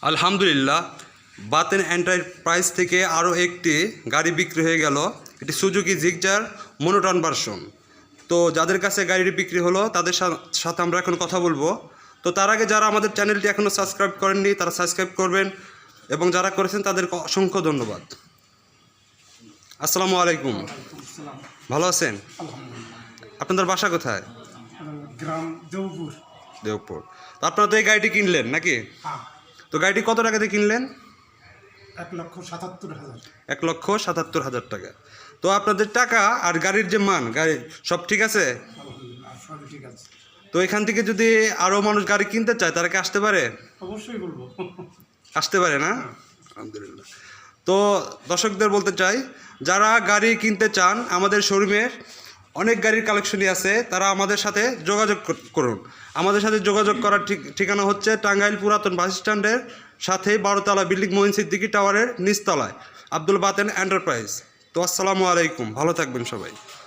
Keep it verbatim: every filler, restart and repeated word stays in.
আলহামদুলিল্লাহ, বাতেন এন্টারপ্রাইজ থেকে আরও একটি গাড়ি বিক্রি হয়ে গেল। এটি সুজুকি জিগজার মনোটন ভার্সন। তো যাদের কাছে গাড়িটি বিক্রি হলো তাদের সাথে আমরা এখন কথা বলবো। তো তার আগে যারা আমাদের চ্যানেলটি এখনও সাবস্ক্রাইব করেননি তারা সাবস্ক্রাইব করবেন, এবং যারা করেছেন তাদেরকে অসংখ্য ধন্যবাদ। আসসালামু আলাইকুম, ভালো আছেন? আপনাদের বাসা কোথায়? গ্রাম দেওপুর। দেওপুর। তো আপনারা তো এই গাড়িটি কিনলেন নাকি? তো গাড়িটি কত টাকাতে কিনলেন? এক লক্ষ সাতাত্তর হাজার এক লক্ষ সাতাত্তর হাজার টাকা। তো আপনাদের টাকা আর গাড়ির যে মান, গাড়ি সব ঠিক আছে? সবই ঠিক আছে। তো এখান থেকে যদি আরও মানুষ গাড়ি কিনতে চায় তারা কি আসতে পারে? অবশ্যই বলবো, আসতে পারে না? আলহামদুলিল্লাহ। তো দর্শকদের বলতে চাই, যারা গাড়ি কিনতে চান আমাদের শোরুমের অনেক গাড়ির কালেকশনই আছে, তারা আমাদের সাথে যোগাযোগ করুন। আমাদের সাথে যোগাযোগ করার ঠিকানা হচ্ছে টাঙ্গাইল পুরাতন বাস স্ট্যান্ডের সাথে বারোতলা বিল্ডিং মঈন সিদ্দিকী টাওয়ারের নিচতলায় আব্দুল বাতেন এন্টারপ্রাইজ। তো আসসালামু আলাইকুম, ভালো থাকবেন সবাই।